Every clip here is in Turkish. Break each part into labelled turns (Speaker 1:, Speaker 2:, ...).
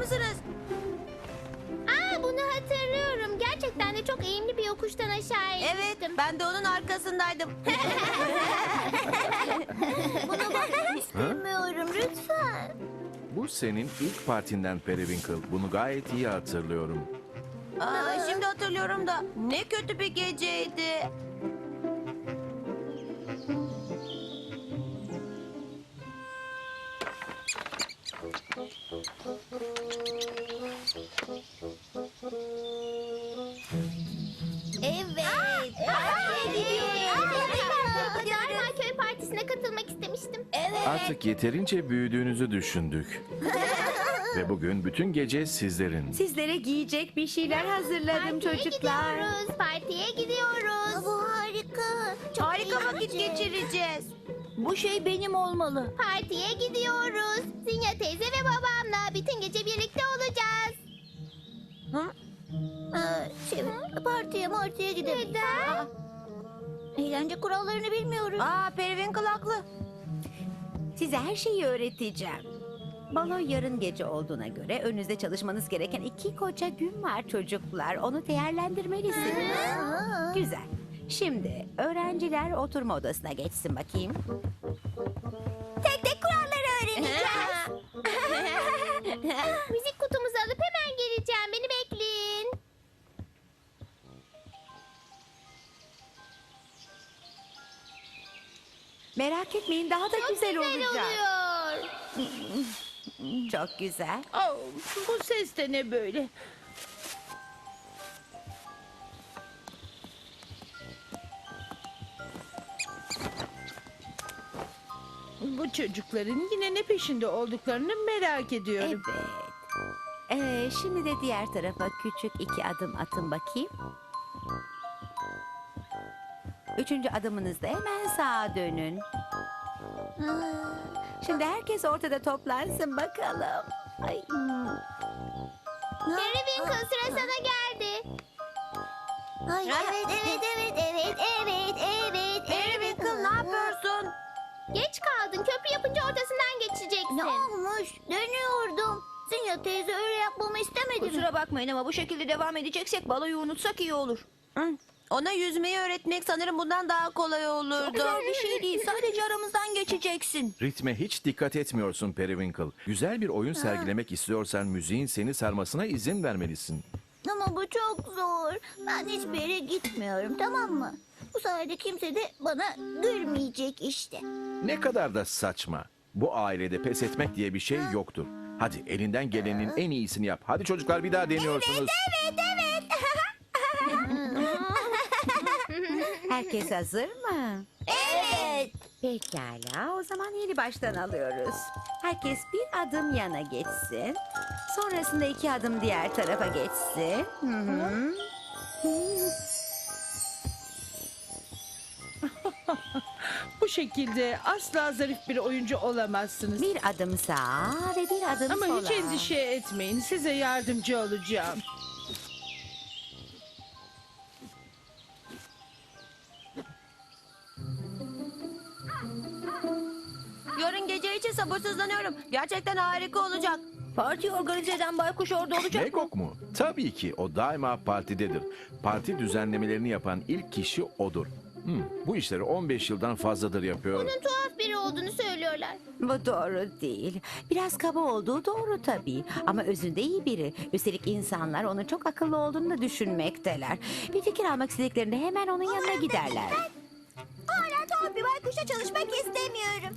Speaker 1: mısınız?
Speaker 2: Bunu hatırlıyorum. Gerçekten de çok eğimli bir yokuştan aşağı
Speaker 1: Evet,
Speaker 2: inmiştim.
Speaker 1: ben de onun arkasındaydım.
Speaker 2: Buna bakmak istemiyorum lütfen.
Speaker 3: Bu senin ilk partinden Periwinkle. Bunu gayet iyi hatırlıyorum.
Speaker 1: Şimdi hatırlıyorum da ne kötü bir geceydi.
Speaker 2: Evet. Daima köy partisine katılmak istemiştim. Evet.
Speaker 3: Artık yeterince büyüdüğünüzü düşündük. Ve bugün bütün gece sizlerin.
Speaker 4: Sizlere giyecek bir şeyler hazırladım çocuklar.
Speaker 2: Gidiyoruz. Partiye gidiyoruz. Bu harika.
Speaker 1: Harika vakit geçireceğiz.
Speaker 4: Bu şey benim olmalı.
Speaker 2: Partiye gidiyoruz. Zinya teyze ve babamla bütün gece birlikte olacağız.
Speaker 1: Hı?
Speaker 2: Partiye gidelim. Neden? Eğlence kurallarını bilmiyoruz.
Speaker 1: Periwinkle haklı.
Speaker 4: Size her şeyi öğreteceğim. Balo yarın gece olduğuna göre önünüzde çalışmanız gereken 2 koca gün var çocuklar. Onu değerlendirmelisiniz. Güzel. Şimdi öğrenciler oturma odasına geçsin bakayım.
Speaker 2: Tek tek kuralları öğreneceğiz. Müzik kutumuzu alıp hemen geleceğim. Beni bekleyin.
Speaker 4: Merak etmeyin daha da güzel olacak.
Speaker 2: oluyor.
Speaker 4: Çok güzel.
Speaker 5: Oh, bu ses de ne böyle? Bu çocukların yine ne peşinde olduklarını merak ediyorum.
Speaker 4: Evet. Şimdi de diğer tarafa küçük 2 adım atın bakayım. 3. adımınızda hemen sağa dönün. Şimdi herkes ortada toplansın bakalım. Ay.
Speaker 2: Periwinkle sıra sana geldi. Evet.
Speaker 1: Periwinkle ne yapıyorsun?
Speaker 2: Geç kaldın. Köprü yapınca ortasından geçeceksin. Ne olmuş? Dönüyordum. Zinya teyze öyle yapmamı istemedi mi?
Speaker 6: Kusura bakmayın ama bu şekilde devam edeceksek baloyu unutsak iyi olur.
Speaker 1: Ona yüzmeyi öğretmek sanırım bundan daha kolay olurdu.
Speaker 6: Güzel bir şey değil. Sadece aramızdan geçeceksin.
Speaker 3: Ritme hiç dikkat etmiyorsun Periwinkle. Güzel bir oyun sergilemek istiyorsan müziğin seni sarmasına izin vermelisin.
Speaker 2: Ama bu çok zor. Ben hiçbir yere gitmiyorum, tamam mı? Bu sayede kimse de bana gülmeyecek işte.
Speaker 3: Ne kadar da saçma. Bu ailede pes etmek diye bir şey yoktur. Hadi elinden gelenin en iyisini yap. Hadi çocuklar bir daha deniyorsunuz.
Speaker 2: Evet.
Speaker 4: Herkes hazır mı?
Speaker 2: Evet.
Speaker 4: Pekala, o zaman yeni baştan alıyoruz. Herkes bir adım yana geçsin. Sonrasında 2 adım diğer tarafa geçsin. Hı.
Speaker 5: Bu şekilde asla zarif bir oyuncu olamazsınız.
Speaker 4: Bir adım sağa ve bir adım
Speaker 5: Ama
Speaker 4: sola.
Speaker 5: hiç endişe etmeyin. Size yardımcı olacağım.
Speaker 1: Yarın gece için sabırsızlanıyorum. Gerçekten harika olacak.
Speaker 6: Parti organize eden baykuş orada olacak mı?
Speaker 3: Megok mu? Tabii ki o daima partidedir. Parti düzenlemelerini yapan ilk kişi odur. Bu işleri 15 yıldan fazladır yapıyor.
Speaker 2: Onun tuhaf biri olduğunu söylüyorlar.
Speaker 4: Bu doğru değil. Biraz kaba olduğu doğru tabii. Ama özünde iyi biri. Üstelik insanlar onun çok akıllı olduğunu da düşünmekteler. Bir fikir almak istediklerinde hemen onun yanına giderler.
Speaker 2: Hala tuhaf bir baykuşla çalışmak istemiyorum.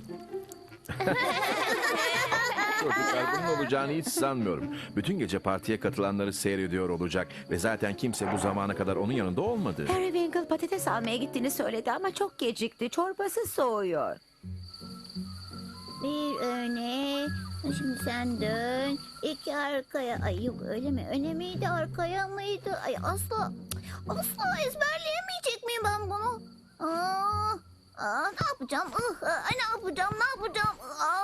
Speaker 3: Çocuklar bunun olacağını hiç sanmıyorum. Bütün gece partiye katılanları seyrediyor olacak. Ve zaten kimse bu zamana kadar onun yanında olmadı.
Speaker 4: Periwinkle patates almaya gittiğini söyledi ama çok gecikti. Çorbası soğuyor.
Speaker 2: Bir öne. Şimdi sen dön. 2 arkaya. Ay yok öyle mi? Öne miydi arkaya mıydı? Ay asla ezberleyemeyecek miyim ben bunu? Ne yapacağım? Ne yapacağım?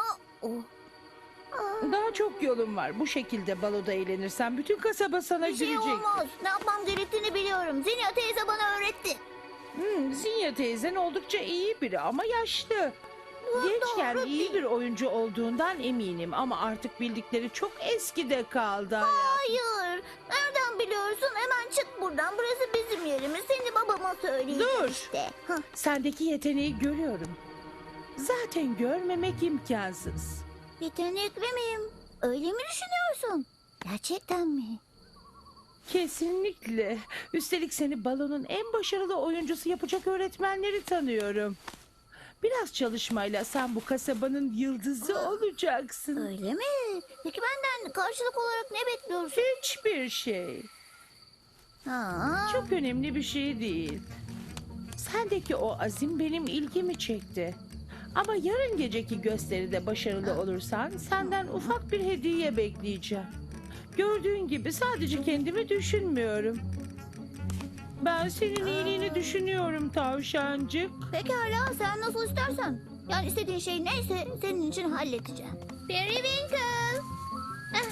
Speaker 5: Daha çok yolun var. Bu şekilde baloda eğlenirsen bütün kasaba sana
Speaker 2: Bir şey
Speaker 5: gülecek.
Speaker 2: olmaz. Ne yapmam gerektiğini biliyorum. Zinya teyze bana öğretti.
Speaker 5: Zinya teyzen oldukça iyi biri ama yaşlı. Gençken
Speaker 2: doğru
Speaker 5: iyi bir oyuncu olduğundan eminim ama artık bildikleri çok eskide kaldı.
Speaker 2: Hayır. Nereden biliyorsun? Hemen çık buradan. Burası bizim yerimiz. Seni babama söyleyeceğim
Speaker 5: Dur.
Speaker 2: işte. Hah.
Speaker 5: Sendeki yeteneği görüyorum. Zaten görmemek imkansız.
Speaker 2: Yetenekli miyim? Öyle mi düşünüyorsun? Gerçekten mi?
Speaker 5: Kesinlikle. Üstelik seni balonun en başarılı oyuncusu yapacak öğretmenleri tanıyorum. Biraz çalışmayla sen bu kasabanın yıldızı olacaksın.
Speaker 2: Öyle mi? Peki benden karşılık olarak ne bekliyorsun?
Speaker 5: Hiçbir şey.
Speaker 2: Ha.
Speaker 5: Çok önemli bir şey değil. Sendeki o azim benim ilgimi çekti. Ama yarın geceki gösteride başarılı olursan senden ufak bir hediye bekleyeceğim. Gördüğün gibi sadece kendimi düşünmüyorum. Ben senin iyiliğini düşünüyorum tavşancık.
Speaker 2: Pekala sen nasıl istersen. Yani istediğin şey neyse senin için halledeceğim. Periwinkle. Ah.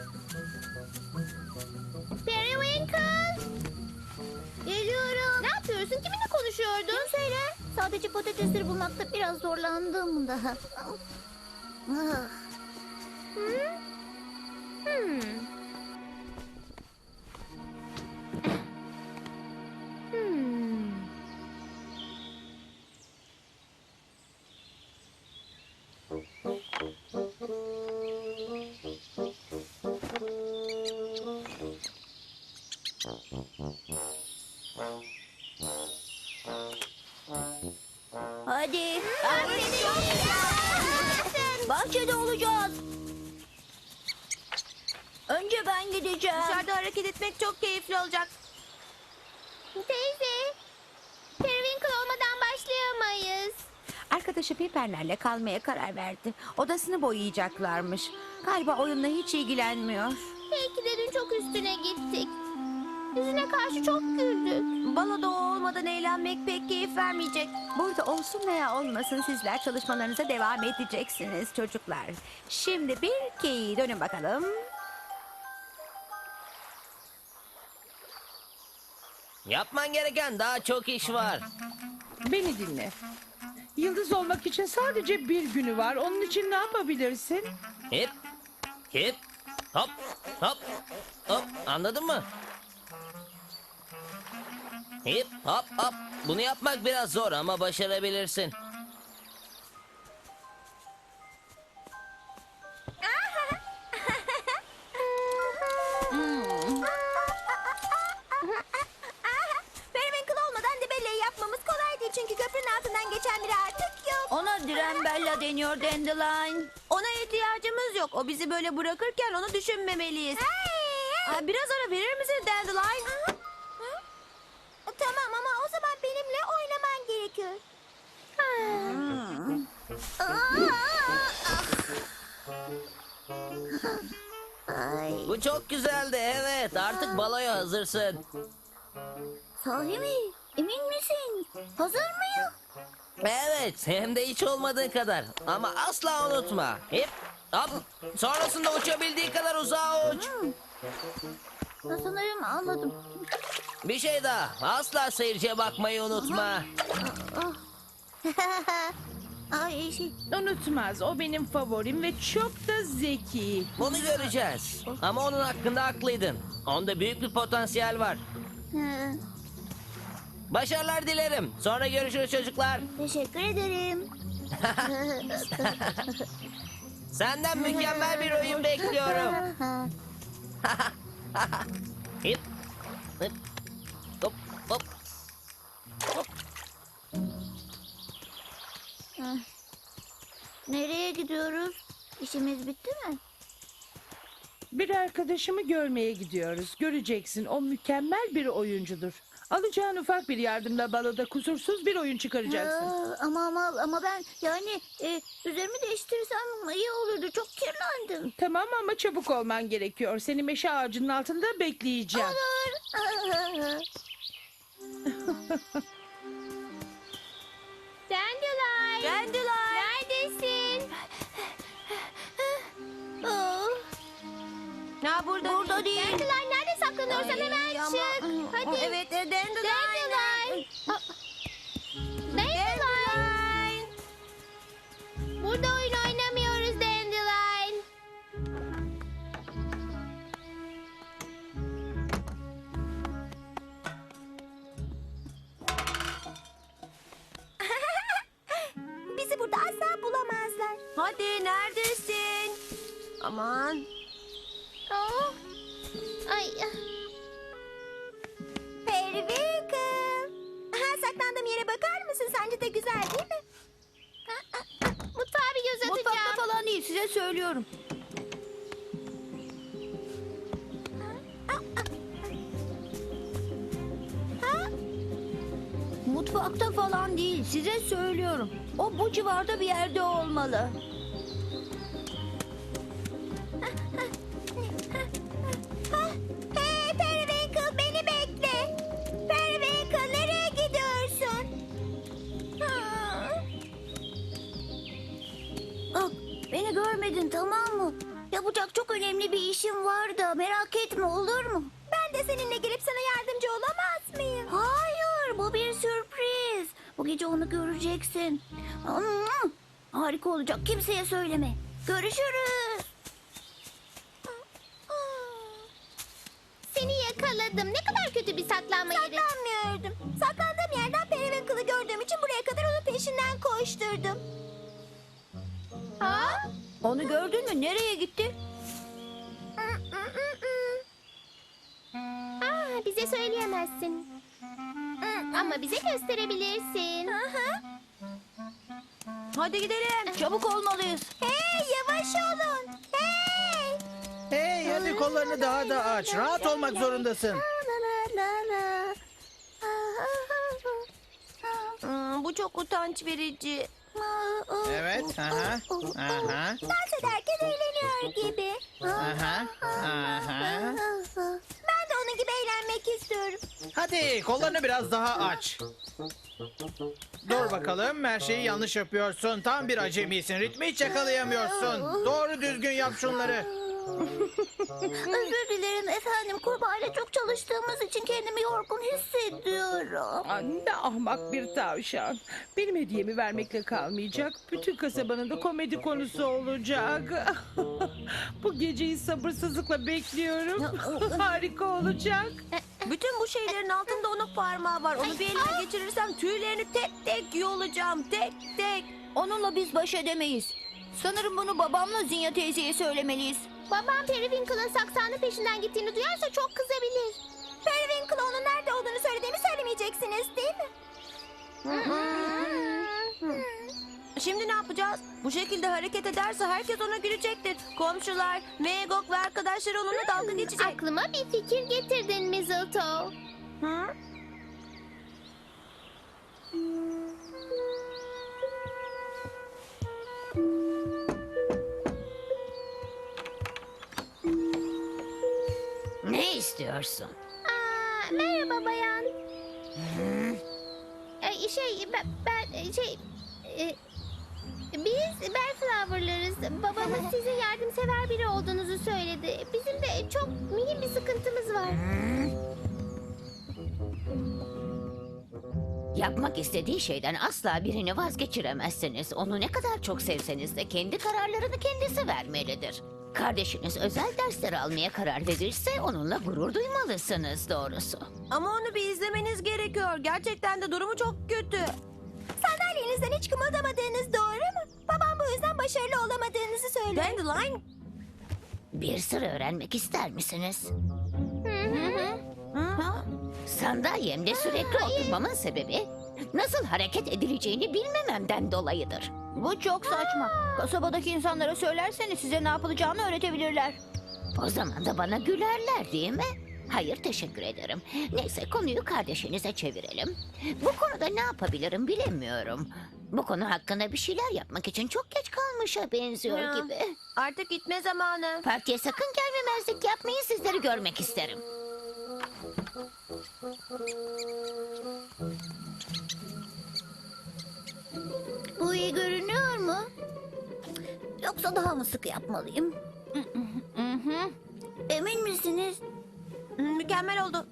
Speaker 2: Periwinkle. Geliyorum. Ne yapıyorsun? Kiminle konuşuyordun? Kimseyle. Sadece patatesleri bulmakta biraz zorlandım daha. Ah.
Speaker 6: Hadi. Bahçede olacağız. Önce ben gideceğim.
Speaker 1: Dışarıda hareket etmek çok keyifli olacak.
Speaker 2: Teyze. Periwinkle olmadan başlayamayız.
Speaker 4: Arkadaşı Piper'lerle kalmaya karar verdi. Odasını boyayacaklarmış. Galiba oyunla hiç ilgilenmiyor.
Speaker 2: Belki de dün çok üstüne gittik. Yüzüne karşı çok güldük.
Speaker 1: Baloda o olmadan eğlenmek pek keyif vermeyecek.
Speaker 4: Burada olsun veya olmasın sizler çalışmalarınıza devam edeceksiniz çocuklar. Şimdi bir iki dönün bakalım.
Speaker 7: Yapman gereken daha çok iş var.
Speaker 5: Beni dinle. Yıldız olmak için sadece bir günü var. Onun için ne yapabilirsin?
Speaker 7: Hip, hip, hop, hop, hop. Anladın mı? Hip, hop, hop. Bunu yapmak biraz zor ama başarabilirsin.
Speaker 6: Periwinkle olmadan debelleği yapmamız kolay değil. Çünkü köprünün altından geçen biri artık yok. Ona Dirembella deniyor Dandelion.
Speaker 1: Ona ihtiyacımız yok. O bizi böyle bırakırken onu düşünmemeliyiz. Biraz ara verir misin Dandelion?
Speaker 6: Tamam ama o zaman benimle oynaman gerekiyor.
Speaker 2: Ay,
Speaker 7: Bu çok güzeldi, evet. Artık baloya hazırsın.
Speaker 2: sahi mi? Emin misin? Hazır mıyım?
Speaker 7: Evet, hem de hiç olmadığı kadar. Ama asla unutma. Hip, hop. Sonrasında uçabildiği kadar uzağa uç.
Speaker 2: Sanırım anladım.
Speaker 7: Bir şey daha. Asla seyirciye bakmayı unutma.
Speaker 2: Ay şey.
Speaker 5: Unutmaz. O benim favorim ve çok da zeki.
Speaker 7: Bunu göreceğiz. Ama onun hakkında haklıydın. Onda büyük bir potansiyel var.
Speaker 2: Hı,
Speaker 7: Başarılar dilerim. Sonra görüşürüz çocuklar.
Speaker 2: teşekkür ederim.
Speaker 7: Senden mükemmel bir oyun bekliyorum. Hip. Hip. Hop hop. Hop.
Speaker 2: Nereye gidiyoruz? İşimiz bitti mi?
Speaker 5: Bir arkadaşımı görmeye gidiyoruz. Göreceksin, o mükemmel bir oyuncudur. Alacağın ufak bir yardımla baloda kusursuz bir oyun çıkaracaksın.
Speaker 2: Ama ben yani üzerimi değiştirsem iyi olurdu. Çok kirlendim.
Speaker 5: Tamam ama çabuk olman gerekiyor. Seni meşe ağacının altında bekleyeceğim.
Speaker 2: Olur. Dandelion.
Speaker 1: Dandelion.
Speaker 2: Neredesin? Oh.
Speaker 1: Ha, burada değil.
Speaker 2: Dandelion nerede saklanıyorsan hemen
Speaker 1: Ama-
Speaker 2: çık. Hadi.
Speaker 1: Evet, Dandelion.
Speaker 2: Dandelion. Dandelion.
Speaker 6: Ay. Periwinkle. Saklandığım yere bakar mısın? Sence de güzel değil mi? Mutfağa bir göz atacağım.
Speaker 2: Mutfakta falan değil, size söylüyorum. Mutfakta falan değil, size söylüyorum. O bu civarda bir yerde olmalı.
Speaker 6: Hey Periwinkle, beni bekle. Periwinkle, nereye gidiyorsun?
Speaker 2: Ah, beni görmedin, tamam mı? Yapacak çok önemli bir işim var da merak etme, olur mu?
Speaker 6: Ben de seninle gelip sana yardımcı olamaz mıyım?
Speaker 2: Hayır, bu bir sürpriz. Bu gece onu göreceksin. Harika olacak, kimseye söyleme. Görüşürüz.
Speaker 6: Seni yakaladım. Ne kadar kötü bir saklanma yeri. Saklanmıyordum. Saklandığım yerden Periwinkle'ı gördüğüm için buraya kadar onun peşinden koşturdum. Ha?
Speaker 2: Onu gördün mü? Nereye gitti?
Speaker 6: Bize söyleyemezsin. Ama bize gösterebilirsin.
Speaker 1: Hadi gidelim.
Speaker 2: Çabuk olmalıyız.
Speaker 6: Hey, yavaş olun. Hey.
Speaker 8: Hey hadi kollarını daha da aç. Rahat olmak zorundasın.
Speaker 1: Bu çok utanç verici.
Speaker 8: Evet. Aha. Aha.
Speaker 6: Dans ederken eğleniyor gibi.
Speaker 8: Aha. Aha.
Speaker 6: Ben de onun gibi eğlenmek istiyorum.
Speaker 8: Hadi kollarını biraz daha aç. Dur bakalım, her şeyi yanlış yapıyorsun. Tam bir acemisin. Ritmi hiç yakalayamıyorsun. Doğru düzgün yap şunları.
Speaker 2: Özür dilerim efendim. Kurbağayla çok çalıştığımız için kendimi yorgun hissediyorum.
Speaker 5: Ne ahmak bir tavşan. Benim hediyemi vermekle kalmayacak. Bütün kasabanın da komedi konusu olacak. Bu geceyi sabırsızlıkla bekliyorum. Harika olacak.
Speaker 1: Bütün bu şeylerin altında onun parmağı var. Onu bir elime geçirirsem tüylerini tek tek yolacağım. Tek tek.
Speaker 2: Onunla biz baş edemeyiz. Sanırım bunu babamla Zinya teyzeye söylemeliyiz.
Speaker 6: Babam Periwinkle'ın saksanın peşinden gittiğini duyarsa çok kızabilir. Periwinkle'a onun nerede olduğunu söylediğimi söylemeyeceksiniz değil mi?
Speaker 1: Şimdi ne yapacağız? Bu şekilde hareket ederse herkes ona gülecektir. Komşular, Megok ve arkadaşları onunla dalga geçecek.
Speaker 6: Aklıma bir fikir getirdin Mistletoe.
Speaker 1: Hı?
Speaker 4: Ne istiyorsun?
Speaker 6: Merhaba bayan. Biz Bellflower'larız. Babamız sizin yardımsever biri olduğunuzu söyledi. Bizim de çok mühim bir sıkıntımız var.
Speaker 4: Yapmak istediği şeyden asla birini vazgeçiremezsiniz. Onu ne kadar çok sevseniz de kendi kararlarını kendisi vermelidir. Kardeşiniz özel dersler almaya karar verirse onunla gurur duymalısınız doğrusu.
Speaker 1: Ama onu bir izlemeniz gerekiyor. Gerçekten de durumu çok kötü.
Speaker 6: Sandalyenizden hiç kımıldamadığınız doğru mu? Babam bu yüzden başarılı olamadığınızı söyledi.
Speaker 1: Dandelion.
Speaker 4: Bir sır öğrenmek ister misiniz?
Speaker 1: Hı?
Speaker 4: Sandalyemde sürekli oturmamın sebebi nasıl hareket edileceğini bilmememden dolayıdır.
Speaker 2: Bu çok saçma. Kasabadaki insanlara söylerseniz size ne yapılacağını öğretebilirler.
Speaker 4: O zaman da bana gülerler değil mi? Hayır teşekkür ederim. Neyse konuyu kardeşinize çevirelim. Bu konuda ne yapabilirim bilemiyorum. Bu konu hakkında bir şeyler yapmak için çok geç kalmışa benziyor
Speaker 1: Ya.
Speaker 4: gibi.
Speaker 1: Artık gitme zamanı.
Speaker 4: Partiye sakın gelmemezlik yapmayı sizleri görmek isterim.
Speaker 2: Bu iyi görünüyor mu? Yoksa daha mı sık yapmalıyım? Emin misiniz?
Speaker 1: Mükemmel oldu.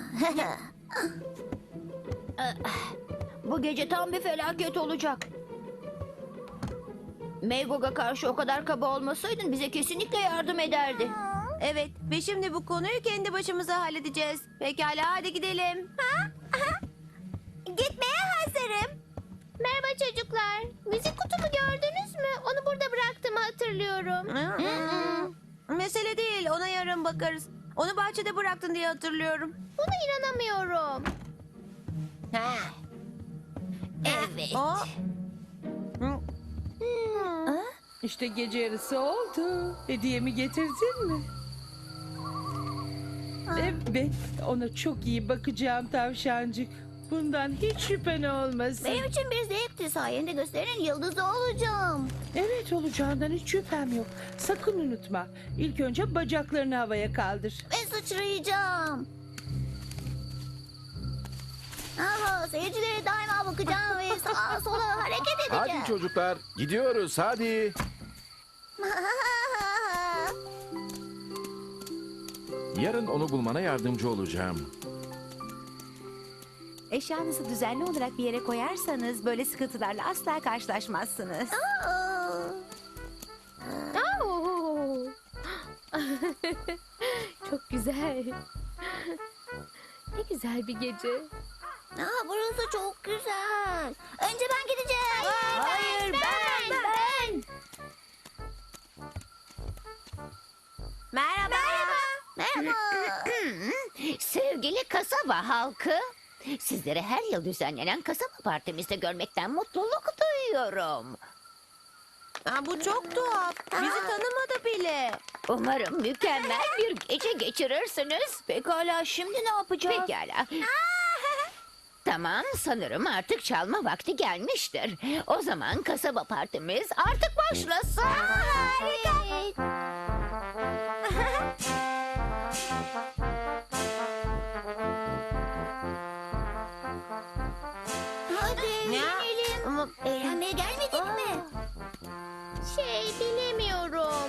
Speaker 2: Bu gece tam bir felaket olacak. Megog'a karşı o kadar kaba olmasaydın bize kesinlikle yardım ederdi.
Speaker 1: Evet ve şimdi bu konuyu kendi başımıza halledeceğiz. Pekala hadi gidelim.
Speaker 6: Gitmeye hazırım. Merhaba çocuklar. Müzik kutumu gördünüz mü? Onu burada bıraktığımı hatırlıyorum.
Speaker 1: Mesele değil ona yarın bakarız. Onu bahçede bıraktın diye hatırlıyorum.
Speaker 6: Buna inanamıyorum.
Speaker 2: Evet.
Speaker 1: Aa,
Speaker 5: İşte gece yarısı oldu. Hediyemi getirdin mi? Evet, ona çok iyi bakacağım tavşancık. Bundan hiç şüphen olmasın.
Speaker 2: Benim için bir zevkti. Sayende gösterinin yıldızı olacağım.
Speaker 5: Evet, olacağından hiç şüphem yok. Sakın unutma. İlk önce bacaklarını havaya kaldır.
Speaker 2: Ve sıçrayacağım. Aha, seyircilere daima bakacağım ve sağa sola hareket edeceğim.
Speaker 3: Hadi çocuklar, gidiyoruz hadi. Yarın onu bulmana yardımcı olacağım.
Speaker 4: Eşyanızı düzenli olarak bir yere koyarsanız böyle sıkıntılarla asla karşılaşmazsınız.
Speaker 6: Oo. Çok güzel. Ne güzel bir gece.
Speaker 2: Aa, burası çok güzel. Önce ben gideceğim. Hayır, ben.
Speaker 1: merhaba.
Speaker 2: Merhaba.
Speaker 9: Sevgili kasaba halkı, sizleri her yıl düzenlenen kasaba partimizde görmekten mutluluk duyuyorum.
Speaker 1: Bu çok tuhaf. Bizi tanımadı bile.
Speaker 9: Umarım mükemmel bir gece geçirirsiniz.
Speaker 2: Pekala, şimdi ne yapacağız?
Speaker 9: Pekala. Tamam, sanırım artık çalma vakti gelmiştir. O zaman kasaba partimiz artık başlasın.
Speaker 2: Evet. Hadi eğlenelim.
Speaker 1: Ama
Speaker 2: Eğlenmeye gelmedin mi?
Speaker 6: Bilemiyorum.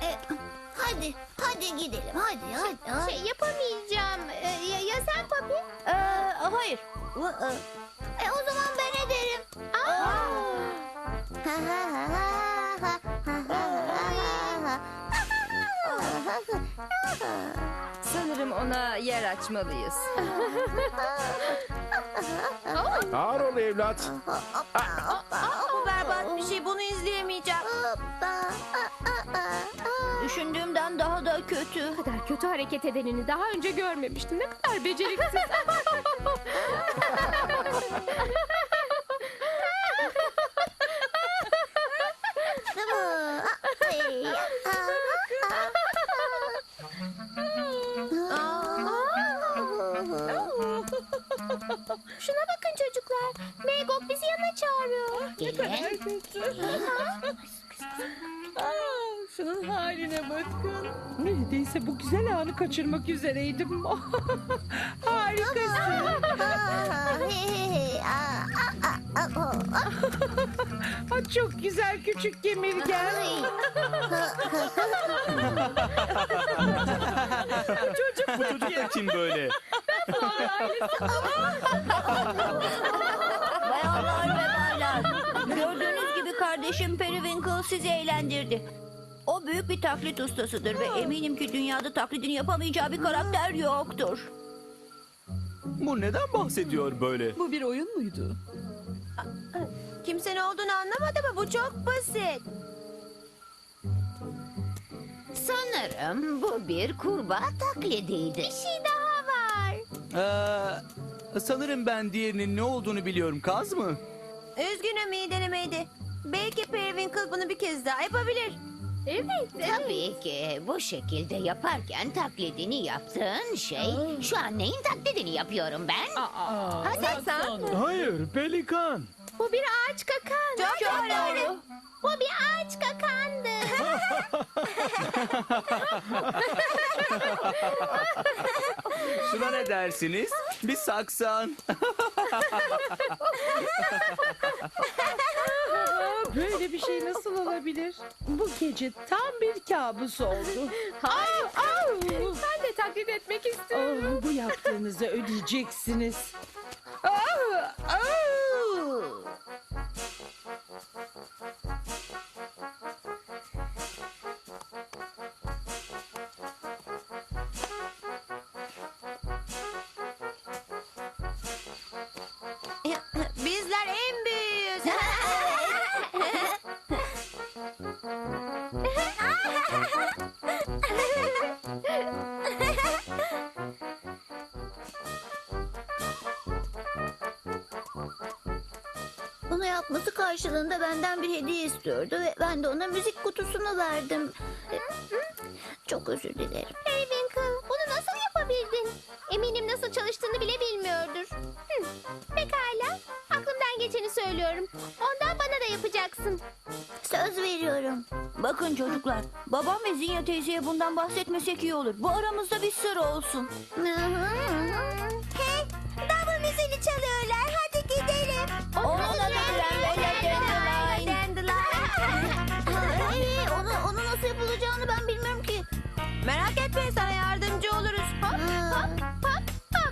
Speaker 2: Hadi gidelim. Hadi.
Speaker 6: Yapamayacağım. Ya sen Papi?
Speaker 1: hayır.
Speaker 2: O zaman ben ederim.
Speaker 6: Sanırım ona yer açmalıyız.
Speaker 3: Ağır ol evlat.
Speaker 1: Bu berbat bir şey. Bunu izleyemeyeceğim.
Speaker 2: Düşündüğümden daha da kötü.
Speaker 6: Bu kadar kötü hareket edenini daha önce görmemiştim. Ne kadar beceriksiz. Şuna bakın çocuklar. Megok bizi yanına çağırıyor.
Speaker 9: Gelin.
Speaker 5: Şunun haline bakın. Neredeyse bu güzel anı kaçırmak üzereydim. Harikasın. Çok güzel küçük kemirgen.
Speaker 10: Bu çocuk da kim böyle?
Speaker 2: Bayanlar ve baylar. Gördüğünüz gibi kardeşim Periwinkle sizi eğlendirdi. O büyük bir taklit ustasıdır ve eminim ki dünyada taklidini yapamayacağı bir karakter yoktur.
Speaker 10: Bu neden bahsediyor böyle?
Speaker 5: Bu bir oyun muydu?
Speaker 1: Kimse ne olduğunu anlamadı mı? Bu çok basit.
Speaker 9: Sanırım bu bir kurbağa taklidiydi.
Speaker 6: Bir şey daha var.
Speaker 10: Sanırım ben diğerinin ne olduğunu biliyorum. Kaz mı?
Speaker 1: Üzgünüm, iyi denemeydi. Belki Periwinkle bunu bir kez daha yapabilir.
Speaker 6: Evet.
Speaker 9: Tabii ki bu şekilde yaparken taklidini yaptığın şey şu an neyin taklidini yapıyorum ben?
Speaker 6: Hadi sen.
Speaker 10: Hayır, pelikan.
Speaker 6: Bu bir ağaç kakan.
Speaker 1: Çok doğru.
Speaker 6: Bu bir ağaç kakandı.
Speaker 10: Şuna ne dersiniz? Bir saksan.
Speaker 5: Böyle bir şey nasıl olabilir? Bu gece tam bir kabus oldu.
Speaker 6: Hayır. Ben de taklit etmek istiyorum.
Speaker 5: Bu yaptığınızı ödeyeceksiniz.
Speaker 1: Bizler en büyüğüz.
Speaker 2: Onu yapması karşılığında benden bir hediye istiyordu ve ben de ona müzik kutusunu verdim. Çok özür dilerim.
Speaker 6: Periwinkle, bunu nasıl yapabildin? Eminim nasıl çalıştığını bile bilmiyordur. Pekala, aklımdan geçeni söylüyorum. Ondan bana da yapacaksın.
Speaker 2: Söz veriyorum.
Speaker 11: Bakın çocuklar, babam ve Zinya teyzeye bundan bahsetmesek iyi olur. Bu aramızda bir sır olsun.
Speaker 6: Hey, davul müziğini çalıyorlar. Hadi gidelim.
Speaker 2: Onun adı Dandelion. Onu nasıl yapılacağını ben bilmiyorum ki.
Speaker 1: Merak etme, sana yardımcı oluruz.
Speaker 6: Hop hop hop hop.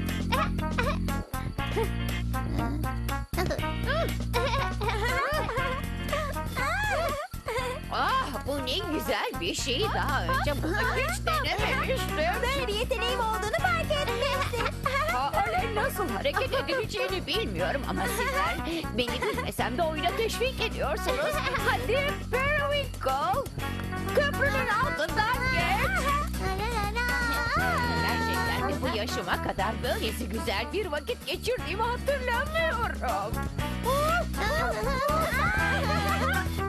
Speaker 9: Ah, bu ne güzel bir şey. Daha önce bunu hiç denememiştim.
Speaker 6: Böyle bir yeteneğim olduğunu fark etmişsin.
Speaker 9: Halen nasıl hareket edileceğini bilmiyorum ama sizler beni bilmesem de oyuna teşvik ediyorsunuz. Hadi Periwinkle, köprünün altından geç. Gerçekten de bu yaşıma kadar böylesi güzel bir vakit geçirdiğimi hatırlamıyorum.